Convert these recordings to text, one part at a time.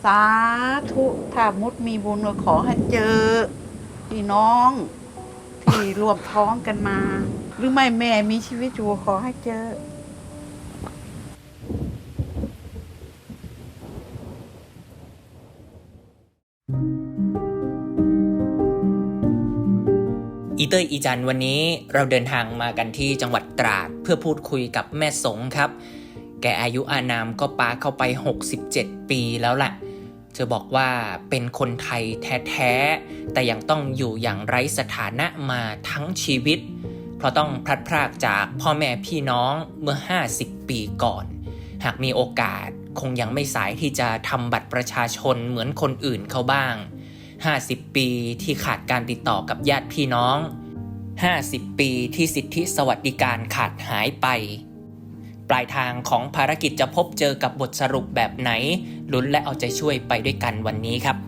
สาธุถ้ามุดมีบุญก็ขอให้เจอพี่น้องที่รวมท้องกันมา หรือไม่แม่มีชีวิตอยู่ขอให้เจออีเตอร์อีจันวันนี้เราเดินทางมากันที่จังหวัดตราดเพื่อพูดคุยกับแม่สงครับแกอายุอานามก็ปาเข้าไป67ปีแล้วแหละเธอบอกว่าเป็นคนไทยแท้ๆแต่ยังต้องอยู่อย่างไร้สถานะมาทั้งชีวิตเพราะต้องพลัดพรากจากพ่อแม่พี่น้องเมื่อ50ปีก่อนหากมีโอกาสคงยังไม่สายที่จะทำบัตรประชาชนเหมือนคนอื่นเขาบ้าง50ปีที่ขาดการติดต่อกับญาติพี่น้อง50ปีที่สิทธิสวัสดิการขาดหายไปปลายทางของภารกิจจะพบเจอกับบทสรุปแบบไหนลุ้นและเอาใจช่วยไปด้วยกันวันนี้ครับ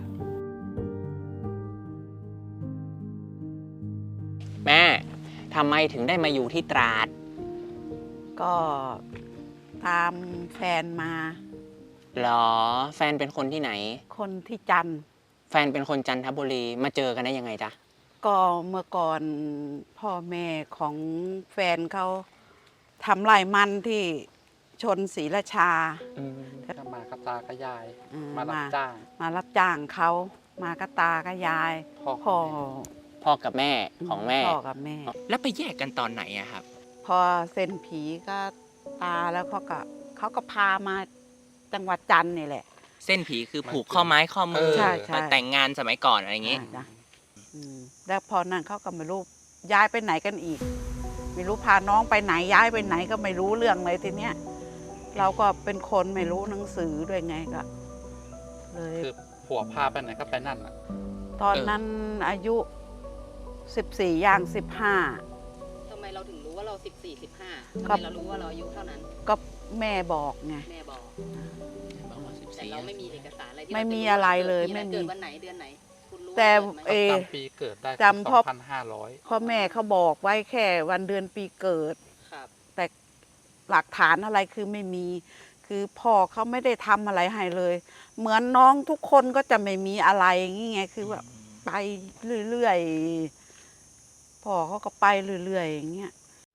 แม่ทำไมถึงได้มาอยู่ที่ตราดก็ตามแฟนมาหรอแฟนเป็นคนที่ไหนคนที่จันทร์แฟนเป็นคนจันทบุรีมาเจอกันได้ยังไงจ๊ะก็เมื่อก่อนพ่อแม่ของแฟนเขาทำไร่มันที่ชนศรีราชาก็มากับตากับยายมารับจ้างเขามากับตากับยายพ่อกับแม่ของแม่พ่อกับแม่แล้วไปแยกกันตอนไหนอะครับพอเส้นผีก็ตาแล้วเขาก็พามาจังหวัดจันทร์นี่แหละเส้นผีคือผูกข้อไม้ข้อมือแต่งงานสมัยก่อนอะไรอย่างงี้แล้วพอนั้นเขาก็ไม่รู้ย้ายไปไหนกันอีกไม่รู้พาน้องไปไหนย้ายไปไหนก็ไม่รู้เรื่องเลยทีเนี้ยเราก็เป็นคนไม่รู้หนังสือด้วยไงก็เลยคือผัวพาไปไหนก็ไปนั่นตอนนั้นอายุ14ย่าง15 ทำไมเราถึงรู้ว่าเรา14 15ทำไมเรารู้ว่าเราอายุเท่านั้นก็แม่บอกไงแม่บอกแต่เราไม่มีเอกสารอะไรไม่มีอะไรเลยไม่มีเกิดวันไหนเดือนไหนคุณรู้แต่จำปีเกิดได้จำพ่อแม่เขาบอกไว้แค่วันเดือนปีเกิดแต่หลักฐานอะไรคือไม่มีคือพ่อเขาไม่ได้ทำอะไรให้เลยเหมือนน้องทุกคนก็จะไม่มีอะไรอย่างงี้ไงคือแบบไปเรื่อยๆพ่อเขาก็ไปเรื่อยๆอย่างเงี้ย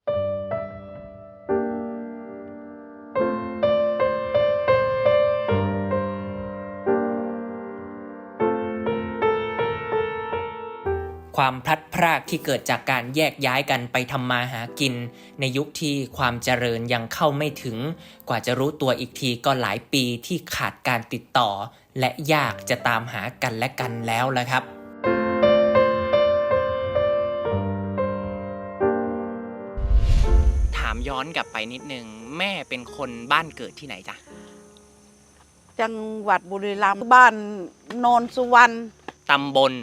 ความพลัดพรากที่เกิดจากการแยกย้ายกันไปทำมาหากินในยุคที่ความเจริญยังเข้าไม่ถึงกว่าจะรู้ตัวอีกทีก็หลายปีที่ขาดการติดต่อและยากจะตามหากันและกันแล้วละครับถามย้อนกลับไปนิดนึงแม่เป็นคนบ้านเกิดที่ไหนจ๊ะจังหวัดบุรีรัมย์บ้านโนนสุวรรณตำบล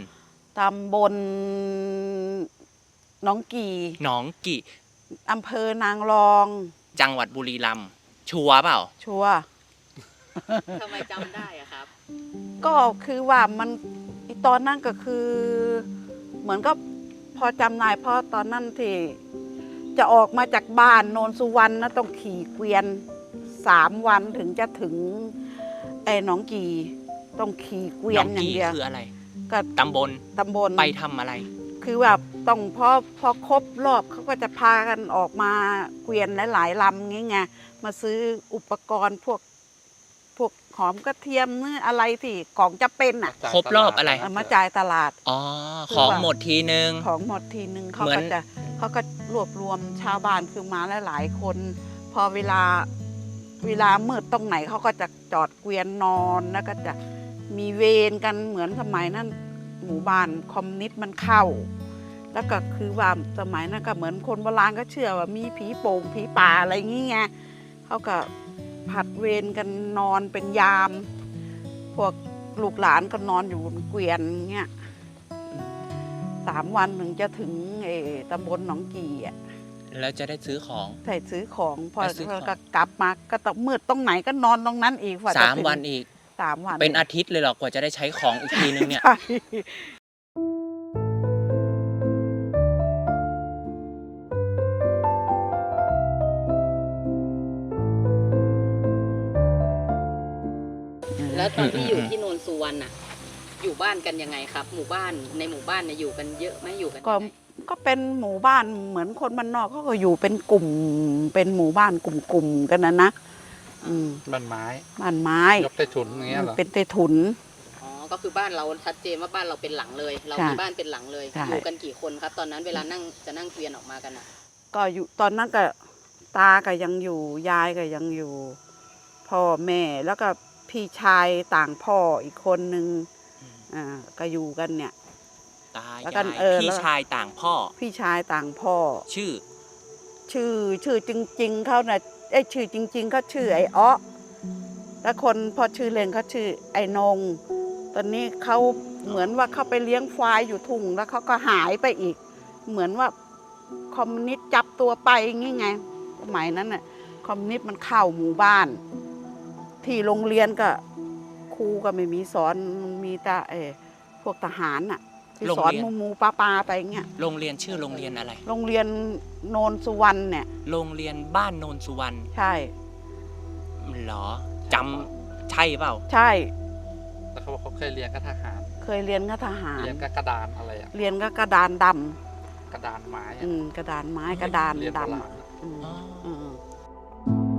หนองกี่อำเภอนางรองจังหวัดบุรีรัมย์ชัวร์เปล่าชัวร์ทำไมจำได้อะครับก็คือว่ามันตอนนั้นก็คือเหมือนก็พอจำได้เพราะตอนนั้นที่จะออกมาจากบ้านโนนสุวรรณนะต้องขี่เกวียน3 วันถึงจะถึงหนองกี่ต้องขี่เกวียนอย่างเดียวคืออะไรก็ตำบลไปทำอะไรคือแบบต้องพอครบรอบเขาก็จะพากันออกมาเกวียนหลายๆลำงี้ไงมาซื้ออุปกรณ์พวกหอมกระเทียมเนื้ออะไรที่ของจะเป็นครบรอบอะไรมาจ่ายตลาดของหมดทีนึงเขาก็รวบรวมชาวบ้านคือมาหลายคนพอเวลามืดตรงไหนเขาก็จะจอดเกวียนนอนแล้วก็จะมีเวรกันเหมือนสมัยนั้นหมู่บ้านคอมมิวนิสต์มันเข้าแล้วก็คือว่าสมัยนั้นก็เหมือนคนโบราณก็เชื่อว่ามีผีโป่งผีป่าอะไรอย่างงี้ไงเขาก็ผัดเวรกันนอนเป็นยามพวกลูกหลานก็นอนอยู่บนเกวียนเงี้ย3 วันถึงจะถึงตำบลหนองกี่แล้วจะได้ซื้อของซื้อของพอก็กลับมาก็ต้องมืดตรงไหนก็นอนตรงนั้นอีก 3 วันอีก 3 วันเป็นอาทิตย์เลยหรอกว่าจะได้ใช้ของอีกทีนึงเนี่ยแล้วตอนที่อยู่ที่โนนสุวรรณอะอยู่บ้านกันยังไงครับ หมู่บ้านในหมู่บ้านเนี่ยอยู่กันเยอะไหมอยู่กันก็ยังไงก็เป็นหมู่บ้านเหมือนคนบ้านนอกเขาก็อยู่เป็นกลุ่ม เป็นหมู่บ้านกลุ่มๆกันนะอืมบ้านไม้บ้านไม้ยกใต้ถุนอย่างเงี้ยเหรอเป็นใต้ถุนอ๋อก็คือบ้านเราชัดเจนว่าบ้านเราเป็นหลังเลย เราใช่มีบ้านเป็นหลังเลยใช่อยู่กันกี่คนครับ ตอนนั้นเวลานั่งจะนั่งเกวียนออกมากันอะก็อยู่ตอนนั้นก็ตาก็ยังอยู่ยายก็ยังอยู่ พ่อแม่แล้วก็พี่ชายต่างพ่ออีกคนนึงก็อยู่กันเนี่ยตาแล้วกัยาน ยเออพี่แล้วชายต่างพ่อพี่ชายต่างพ่อชื่อชื่อจริง ๆเขาน่ะชื่อจริง ๆเขาชื่อไอ้อ้อแล้วคนพอชื่อเล่นเขาชื่อไอ้นง ตอนนี้เขาเหมือนว่าเขาไปเลี้ยงควายอยู่ทุ่งแล้วเขาก็หายไปอีก เหมือนว่าคอมมิวนิสต์จับตัวไปอย่างงี้ไงสมัยนั้นน่ะคอมมิวนิสต์มันเข้าหมู่บ้าน ที่โรงเรียนก็ครูก็ไม่มีสอนมีแต่พวกทหารน่ะที่สอนโรงเรียนมูปลาไปอย่างเงี้ยโรงเรียนชื่อโรงเรียนอะไรโรงเรียนโนนสุวรรณเนี่ยโรงเรียนบ้านโนนสุวรรณใช่เหรอจำใช่เปล่าใช่แล้วเขาบอกเขาเคยเรียนกับทหารเคยเรียนกับทหารเรียนกับกระดานอะไรอะเรียนก็กระดานดกระดานไม้ำอะกระดานไม้กระดานเรียนโบดำราณอะอืมอ๋ออืม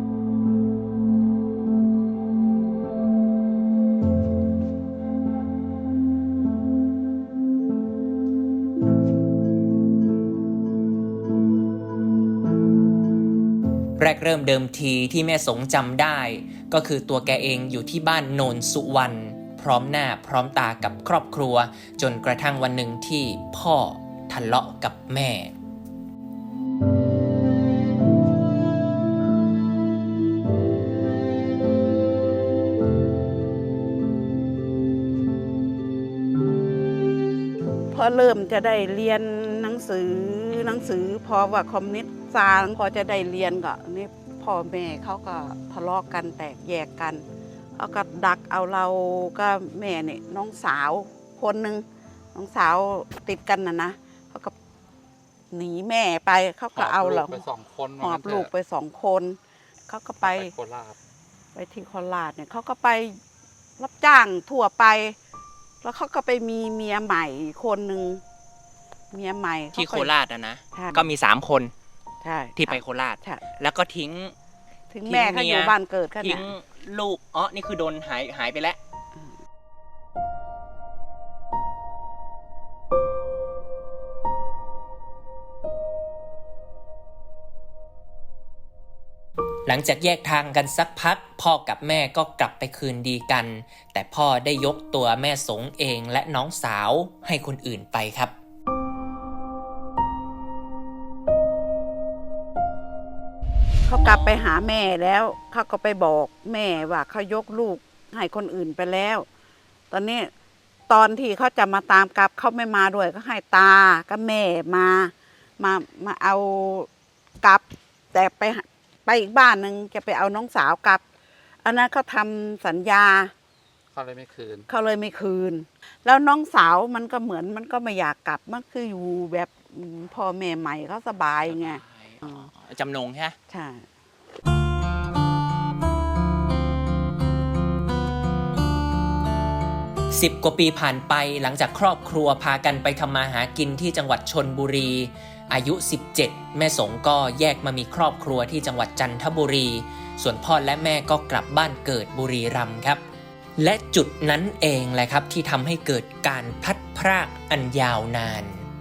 แรกเริ่มเดิมทีที่แม่สงจำได้ ก็คือตัวแกเองอยู่ที่บ้านโนนสุวรรณพร้อมหน้าพร้อมตากับครอบครัว จนกระทั่งวันหนึ่งที่พ่อทะเลาะกับแม่พอเริ่มจะได้เรียนหนังสือพอว่าคอมมิวนิสต์ซาพอจะได้เรียนก็นี่พ่อแม่เขาก็ทะเลาะกันแตกแยกกันเขาก็ดักเอาเราก็แม่เนี่ยน้องสาวคนหนึ่งน้องสาวติดกันนะเขาก็หนีแม่ไปเขาก็เอาเราหอบลูกไปสองคนหอบลูกไป2 คนเขาก็ไปโคราชไปที่โคราชเนี่ยเขาก็ไปรับจ้างทั่วไป แล้วเขาก็ไปมีเมียใหม่คนหนึ่งเมียใหม่ที่เขโคก็ราชนะใช่ก็มี3 คนใช่ที่ไปโคราชใช่แล้วก็ทิ้งถึงแม่เขาอยู่บ้านเกิดเขาทิ้เนี่งยลูกอ๋อนี่คือโดนหายไปแล้ว หลังจากแยกทางกันสักพัก พ่อกับแม่ก็กลับไปคืนดีกัน แต่พ่อได้ยกตัวแม่สงเองและน้องสาวให้คนอื่นไปครับเขากลับไปหาแม่แล้วเขาก็ไปบอกแม่ว่าเขายกลูกให้คนอื่นไปแล้ว ตอนนี้ตอนที่เขาจะมาตามกลับเขาไม่มาด้วยก็ให้ตากับแม่มาเอากลับ แต่ไปอีกบ้านหนึ่งจะไปเอาน้องสาวกลับ อันนั้นเขาทำสัญญาเขาเลยไม่คืนเขาเลยไม่คืน แล้วน้องสาวมันก็เหมือนมันก็ไม่อยากกลับมันคืออยู่แบบพ่อแม่ใหม่เขาสบายไงอ๋อจำนงใช่ไหมใช่ 10 กว่าปีผ่านไปหลังจากครอบครัวพากันไปทำมาหากินที่จังหวัดชลบุรี อายุ 17 แม่สงก็แยกมามีครอบครัวที่จังหวัดจันทบุรี ส่วนพ่อและแม่ก็กลับบ้านเกิดบุรีรัมย์ครับ และจุดนั้นเองแหละครับที่ทำให้เกิดการพลัดพรากอันยาวนาน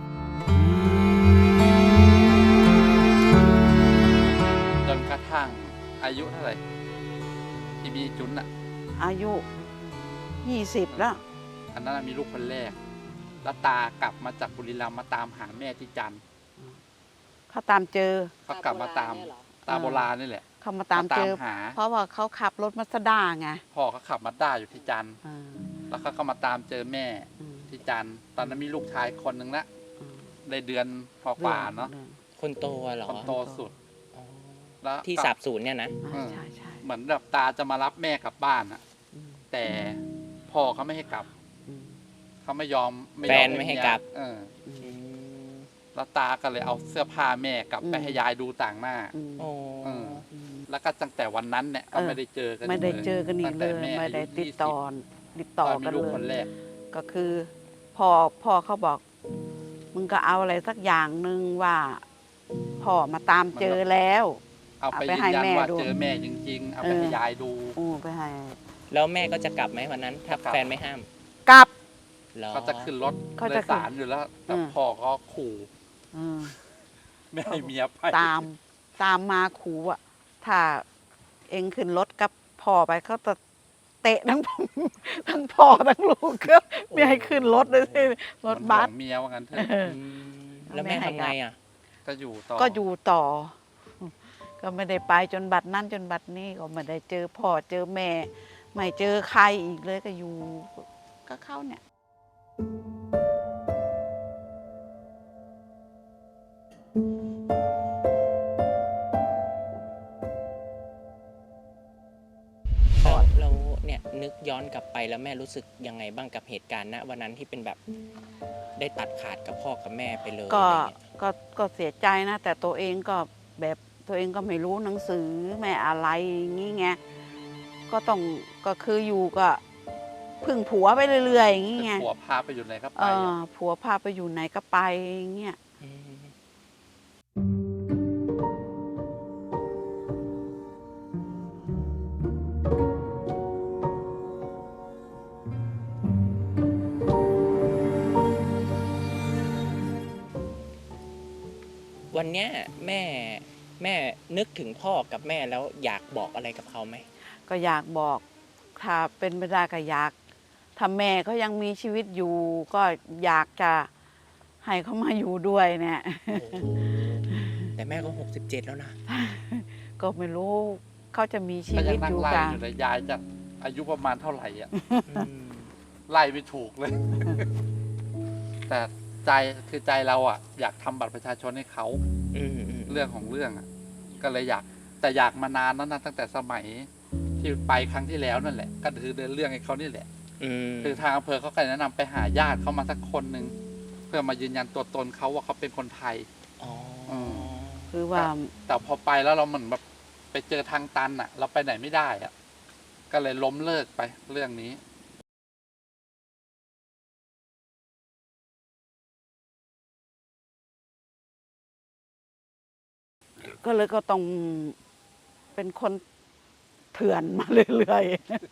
จนกระทั่งอายุเท่าไหร่ที่มีจุนอะอายุ20แล้วอันนั้นมีลูกคนแรก แล้วตากลับมาจากบุรีรัมย์มาตามหาแม่ที่จันทร์เขาตามเจอเขากลับมาตามเนี่ยเหรอตาโบราณนี่แหละเขามาตามเจอหาเพราะว่าเขาขับรถมาสด้าไงพ่อเขาขับมาด้าอยู่ที่จันทร์อ่าแล้วเขาก็มาตามเจอแม่อืมที่จันทร์ตอนนั้นมีลูกชายคนหนึ่งละอืมได้เดือนกว่าๆเนาะคนโตเหรอคนโตสุดอ๋อแล้วที่ก็สาบสูญเนี่ยนะอ่าใช่ใช่เหมือนแบบตาจะมารับแม่กลับบ้านอะอืมแต่พ่อเขาไม่ให้กลับอืมเขาไม่ยอมแฟนไม่ให้กลับเอออืมแล้วตาก็เลยเอาเสื้อผ้าแม่กลับไปให้ยายดูต่างหน้าอืมโอ้อืมแล้วก็ตั้งแต่วันนั้นเนี่ยก็ไม่ได้เจอกันไม่ได้เจอกันอีตั้กงเลแต่ยแม่ไม่ได้อายุติดต่อ 20ตอนมีกันลูกเลคนแรยกก็คือพ่อเขาบอก มึงก็เอาอะไรสักอย่างหนึ่งว่าพ่อมาตามเจอแล้วเอาไปเอาไปยืให้นยันแม่ว่าดูเจอแม่จริงๆ เอาไปให้ยายดูไปให้แล้วแม่ก็จะกลับไหมวันนั้น ถ้าจะกลับแฟนไม่ห้ามกลับเหรอก็จะขึ้นรถเขาโดจะยสารอยู่แล้ว แต่อืมพ่อก็ขู่อืมไม่ให้เมียไปตามมาขู่อ่ะ ถ้าเองขึ้นรถกับพ่อไปเขาจะเตะทั้ง ทั้งพ่อทั้งลูกก็ไม่ให้ขึ้นรถเลยสิรถบัสมันห่วงเมียว่างั้นเถอะเอออืมแล้วแม่ทำไงอ่ะก็อยู่ต่อก็อยู่ต่อ ก็ไม่ได้ไปจนบัดนั้นจนบัดนี้ก็ไม่ได้เจอพ่อเจอแม่ ไม่เจอใครอีกเลยก็อยู่ก็เข้าเนี่ยแล้วเนี่ยนึกย้อนกลับไปแล้วแม่รู้สึกยังไงบ้างกับเหตุการณ์ณวันนั้นที่เป็นแบบได้ตัดขาดกับพ่อกับแม่ไปเลยก็อะไรเงี้ยก็เสียใจนะ แต่ตัวเองก็แบบตัวเองก็ไม่รู้หนังสือแม่อะไรอย่างงี้ไงก็ต้องก็คืออยู่ก็พึ่งผัวไปเรื่อยๆอย่างงี้ไงผัวพาไปอยู่ไหนก็ไปผัวพาไปอยู่ไหนก็ไปอย่างเงี้ยอืมวันเนี้ยแม่นึกถึงพ่อกับแม่แล้วอยากบอกอะไรกับเขาไหมก็อยากบอกถ้าเป็นไปได้ก็อยากถ้าแม่เขายังมีชีวิตอยู่ ก็อยากจะให้เขามาอยู่ด้วยเนี่ยแต่แม่ก็67แล้วนะก็ไม่รู้เขาจะมีชีก็วิยัตงนั่อง ยู่ไล่กันอยู่เลยยายจะอายุประมาณเท่าไหร่อ่ะอืมไล่ไม่ถูกเลย แต่ใจคือใจเราอ่ะ อยากทำบัตรประชาชนให้เขาอืมอืมเรื่องของเรื่องอ่ะ ก็เลยอยาก แต่อยากมานานแล้วนะตั้งแต่สมัยที่ไปครั้งที่แล้วนั่นแหละ ก็คือเดินเรื่องให้เขานี่แหละอืมคือทางอำเภอเขาก็แนะนำไปหาญาติเขามาสักคนหนึ่งเพื่อมายืนยันตัวตนเขาว่าเขาเป็นคนไทยอ๋อคือว่าแต่พอไปแล้วเราเหมือนแบบไปเจอทางตันอ่ะ เราไปไหนไม่ได้อ่ะ ก็เลยล้มเลิกไปเรื่องนี้ก็เลยก็ต้องเป็นคนเถื่อนมาเรื่อย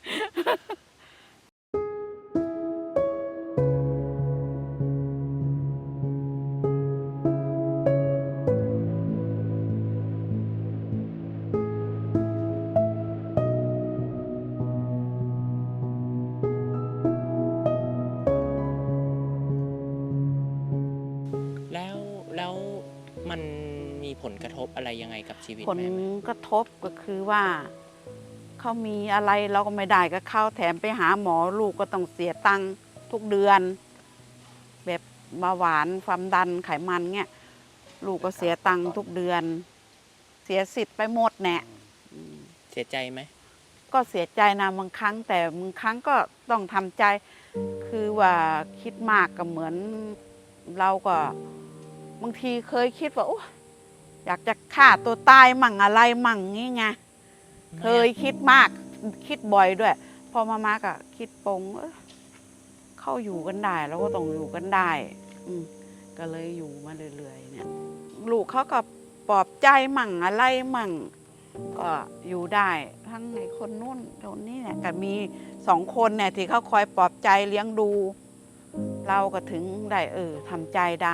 แล้วมันมีผลกระทบอะไรยังไงกับชีวิตๆผลแม่ไหมกระทบก็คือว่าเขามีอะไรเราก็ไม่ได้ก็เข้าแถมไปหาหมอลูกก็ต้องเสียตังค์ทุกเดือน แบบเบาหวานความดันไขมันเงี้ยลูกก็เสียตังค์ทุกเดือน เสียสิทธิ์ไปหมดแน่อืมเสียใจไหมก็เสียใจนะบางครั้ง แต่บางครั้งก็ต้องทำใจ คือว่าคิดมากก็เหมือนเราก็บางทีเคยคิดว่าโอ้อยากจะฆ่าตัวตายมั่งอะไรมั่งงี้ไงเคยคิดมากคิดบ่อยด้วย พอมาก็คิดปรงเข้าอยู่กันได้แล้วก็ต้องอยู่กันได้ก็เลยอยู่มาเรื่อยๆเนี่ยลูกเขาก็ปลอบใจมั่งอะไรมั่ง ก็อยู่ได้ทั้งไอ้คนนู้นคนนี้เนี่ยก็มี2 คนเนี่ยที่เขาคอยปลอบใจเลี้ยงดู เราก็ถึงได้ทำใจได้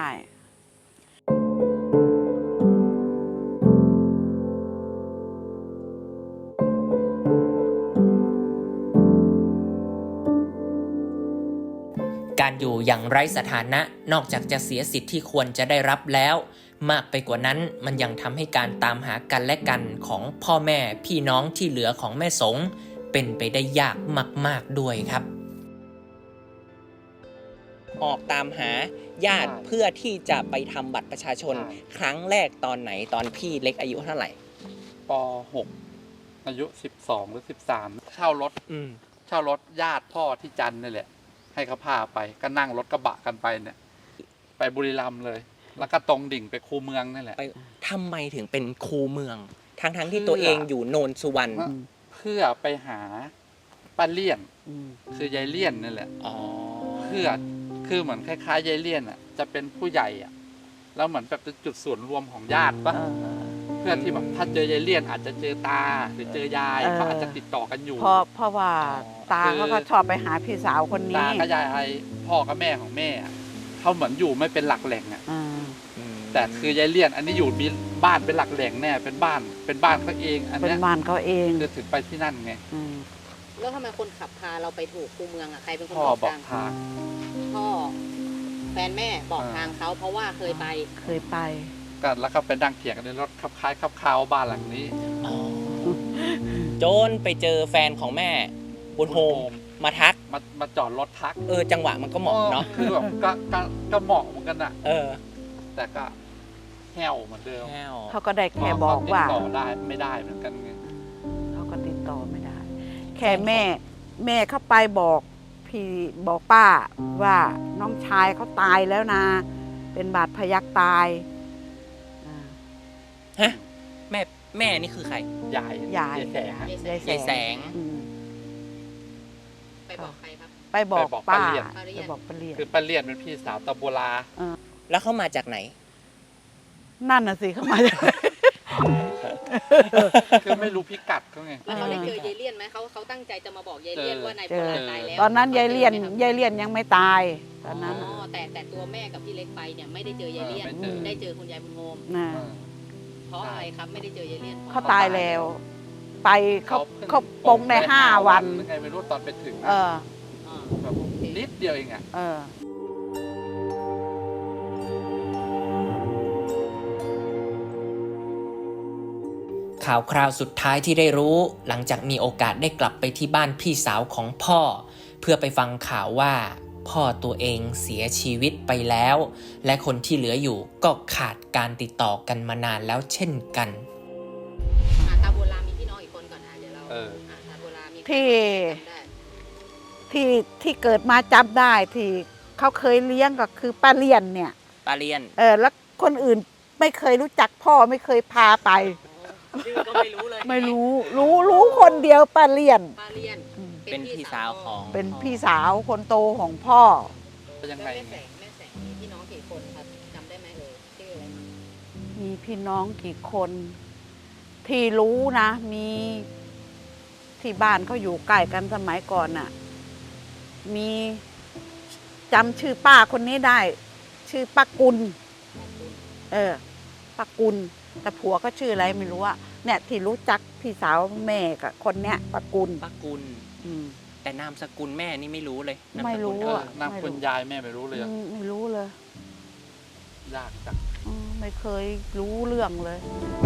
การอยู่อย่างไร้สถานะนอกจากจะเสียสิทธิ์ที่ควรจะได้รับแล้ว มากไปกว่านั้นมันยังทำให้การตามหากันและกันของพ่อแม่พี่น้องที่เหลือของแม่สงเป็นไปได้ยากมากๆด้วยครับ ออกตามหาญาติใช่เพื่อที่จะไปทำบัตรประชาชนใช่ครั้งแรกตอนไหนตอนพี่เล็กอายุเท่าไหร่ป .6 อายุ12หรือ13เช่ารถ เช่ารถญาติพ่อที่จันทร์นี่แหละ ให้เขาพาไปก็นั่งรถกระบะกันไปเนี่ย ไปบุรีรัมย์เลย แล้วก็ตรงดิ่งไปคูเมืองนี่แหละไปทำไมถึงเป็นครูเมืองทั้งที่ตัวเองอยู่โนนสุวรรณเพื่อไปหาป้าเลี่ยนอืมคือยายเลี่ยนนั่นแหละอ๋อคือเหมือนคล้ายๆยายเลี่ยนอ่ะจะเป็นผู้ใหญ่อ่ะแล้วเหมือนแบบเป็นจุดส่วนรวมของญาติปะเออเพื่อที่แบบถ้าเจอยายเลี่ยนอาจจะเจอตาหรือเจอยายเออเขาอาจจะติดต่อกันอยู่เพราะว่าอ๋อตาเขาก็ชอบไปหาพี่สาวคนตานี้กับยายพ่อกับแม่ของแม่อะเขาเหมือนอยู่ไม่เป็นหลักแหล่งอ่ะอ่าแต่คือยายเลี่ยนอันนี้อยู่มีบ้านเป็นหลักแหล่งแน่เป็นบ้านเขาเองอันเป็นเนี้ยบ้านเขาเองคือถึงไปที่นั่นไงอืมแล้วทำไมคนขับพาเราไปถูกคูเมืองอ่ะใครเป็นคนพ่อบอกบอกทางทางพ่อแฟนแม่บอกอ่าทางเขาเพราะว่าเคยไปเคยไปกันแล้วก็ไปนั่งเถียงกันในรถขับคล้ายขับคาวบ้านหลังนี้อ๋อโจนไปเจอแฟนของแม่บุญโฮมมาทักมาจอดรถทักจังหวะมันก็เหมาะเนาะคือแบบก็เหมาะเหมือนกันอะ แต่ก็แห้วเหมือนเดิมแห้วเขาก็ได้แค่บอกว่าติดต่อได้ไม่ได้เหมือนกันไงเขาก็ติดต่อไม่ได้ แค่แม่เข้าไปบอกพี่บอกป้าว่าน้องชายเขาตายแล้วนะ เป็นบาดพยักตายอ่าฮะแม่นี่คือใครยายยายแสงอะยายยายแสงอืมไปบอกใครครับไปบอกป้าป้าเลี่ยนไปบอกป้าเลียนคือป้าเลียนเป็นพี่สาวตะโบลาแล้วเขามาจากไหนนั่นน่ะสิเขามาจากคือไม่รู้พิกัดเขาไงแล้วเขาได้เจอยายเลี่ยนไหมเขาตั้งใจจะมาบอกยายเลี่ยนว่านายโบราณตายแล้วตอนนั้นยายเลียนขาจอไหมครับยายเลียนยังไม่ตาย ตอนนั้นอ๋อแต่ตัวแม่กับพี่เล็กไปเนี่ยไม่ได้เจอยายเลี่ยนไม่เจอได้เจอคุณยายบุญโฮมนะเพราะอะไรครับไม่ได้เจอยายเลี่ยนเพราะเขาตายแล้ว ไปเขาพิ่เขาปงได้5 วันหรือไงไม่รู้ตอนไปถึงเอออ่าแบบนิดเดียวเองอะเออข่าวคราวสุดท้ายที่ได้รู้หลังจากมีโอกาสได้กลับไปที่บ้านพี่สาวของพ่อ เพื่อไปฟังข่าวว่า พ่อตัวเองเสียชีวิตไปแล้ว และคนที่เหลืออยู่ก็ขาดการติดต่อกันมานานแล้วเช่นกันตาโบราณมีพี่น้องอีกคนก่อนเดี๋ยวเราตาโบราณมีที่จำได้ที่เกิดมาจำได้ที่เขาเคยเลี้ยงก็คือป้าเลียนเนี่ยปาเลียนแล้วคนอื่นไม่เคยรู้จักพ่อไม่เคยพาไปชื่อก็ไม่รู้เลยไม่รู้คนเดียวป้าเลียนป้าเลี่ยนเป็นพี่สาวของเป็นพี่สาวคนโตของพ่อเป็นยังแล้วไงแม่แสงมีพี่น้องกี่คนครับจำได้ไหมชื่ออะไรมั้งมีพี่น้องกี่คน ที่รู้นะ มีที่บ้านเขาอยู่ใกล้กันสมัยก่อนน่ะ มีจำชื่อป้าคนนี้ได้ ชื่อป้ากุล ป้ากุลแต่ผัวก็ชื่ออะไรไม่รู้อะเนี่ยที่รู้จักพี่สาวแม่กับคนเนี้ยป้ากุลป้ากุลอืมแต่นามสกุลแม่นี่ไม่รู้เลยนามไม่สรู้กุลอะนางคุณยายแม่ไม่รู้เลยอะไม่รู้เลยยากจังไม่เคยรู้เรื่องเลย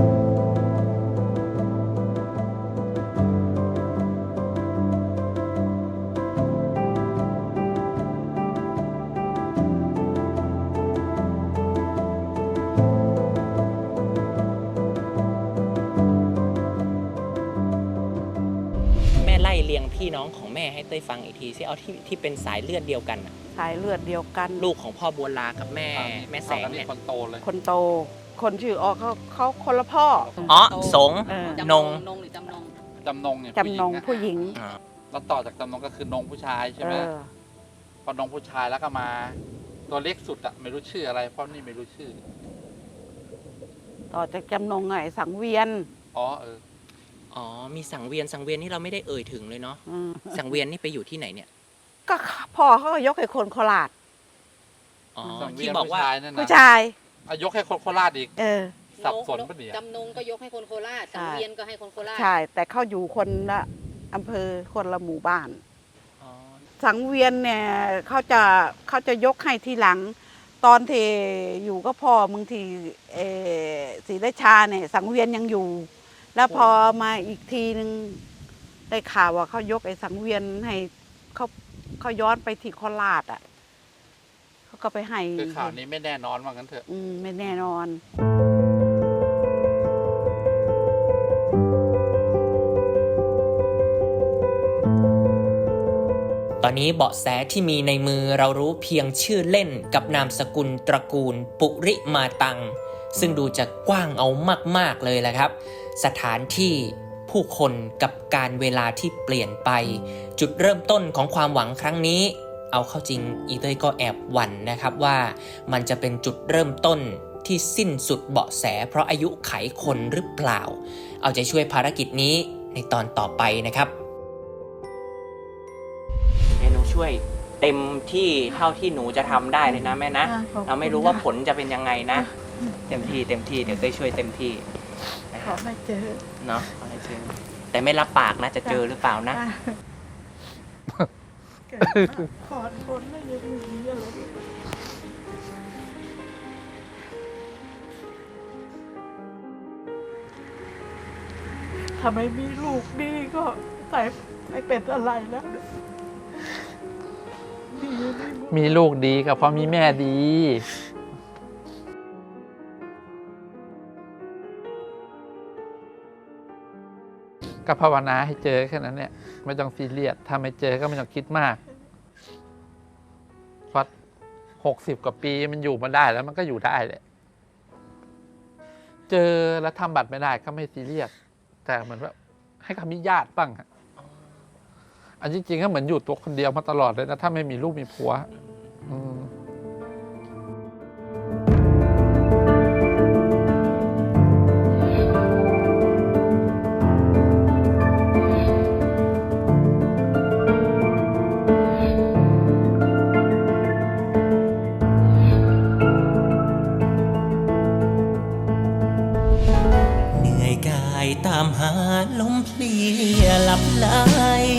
แม่ไล่เรียงพี่น้องของแม่ให้เต้ยฟังอีกทีสิเอาที่เป็นสายเลือดเดียวกันน่ะสายเลือดเดียวกันลูกของพ่อบัวลากับแม่แสงอันนี้เนี่ยคนโตเลยคนโต คนชื่อออกเขาคนละพ่ออ๋อสงเออจำนงนงหรือจำนงจำนงเนี่ยจำนงผู้หญิงอ่าแล้วต่อจากจำนงก็คือนงผู้ชายใช่เอไหมอพอนงผู้ชายแล้วก็มา ตัวเล็กสุดอะไม่รู้ชื่ออะไรเพราะนี่ไม่รู้ชื่อต่อจากจำนงไงสังเวียนอ๋ออ๋อมีสังเวียนนี่เราไม่ได้เอ่ยถึงเลยเนาะอืมสังเวียนนี่ไปอยู่ที่ไหนเนี่ยก็พ่อเขาก็ยกให้คนโคราชอ๋อสังเวีที่ยนบอกผู้ว่าชายนั่นผู้นะชายยกให้คนโคราชอีกเออสับสนปะเนี่ยจำนงก็ยกให้คนโคราชใช่สังเวียนก็ให้คนโคราชใช่ แต่เขาอยู่คนละอำเภอคนละหมู่บ้านอ๋อสังเวียนเนี่ยเขาจะยกให้ทีหลัง ตอนที่อยู่ก็พ่อบางทีศรีราชาเนี่ยสังเวียนยังอยู่ แล้วพอมาอีกทีนึงได้ข่าวว่าเขายกไอ้สังเวียนให้เขาย้อนไปที่โคราชอ่ะเขาก็ไปให้คือข่าวนี้ไม่แน่นอนว่างั้นเถอะไม่แน่นอนตอนนี้เบาะแสที่มีในมือเรารู้เพียงชื่อเล่นกับนามสกุลตระกูลปุริมาตังซึ่งดูจะกว้างเอามากๆเลยแหละครับสถานที่ผู้คนกับการเวลาที่เปลี่ยนไปจุดเริ่มต้นของความหวังครั้งนี้เอาเข้าจริงอีเต้ยก็แอบหวั่นนะครับว่ามันจะเป็นจุดเริ่มต้นที่สิ้นสุดเบาะแสเพราะอายุไขคนหรือเปล่าเอาใจช่วยภารกิจนี้ในตอนต่อไปนะครับหนูช่วยเต็มที่เท่าที่หนูจะทำได้เลยนะแม่นะเราไม่รู้ว่าผลจะเป็นยังไงนะเต็มที่เดี๋ยวเต้ยช่วยเต็มที่ขอให้เจอเนาะขอให้เจอแต่ไม่รับปากนะจะเจอหรือเปล่านะขอคนไม่ยังมีอะไรถ้าไม่มีลูกดีก็ใส่ไม่เป็นอะไรแล้วมีลูกดีก็เพราะมีแม่ดีก็ภาวนาให้เจอแค่นั้นเนี่ยไม่ต้องซีเรียสถ้าไม่เจอก็ไม่ต้องคิดมากเพราะ60 กว่าปีมันอยู่มาได้แล้วมันก็อยู่ได้แหละเจอแล้วทำบัตรไม่ได้ก็ไม่ซีเรียสแต่เหมือนว่าให้เขามีญาติบ้างฮะอันจริงๆก็เหมือนอยู่ตัวคนเดียวมาตลอดเลยนะถ้าไม่มีลูกมีผัวตามหาลมเพลียหลับไหล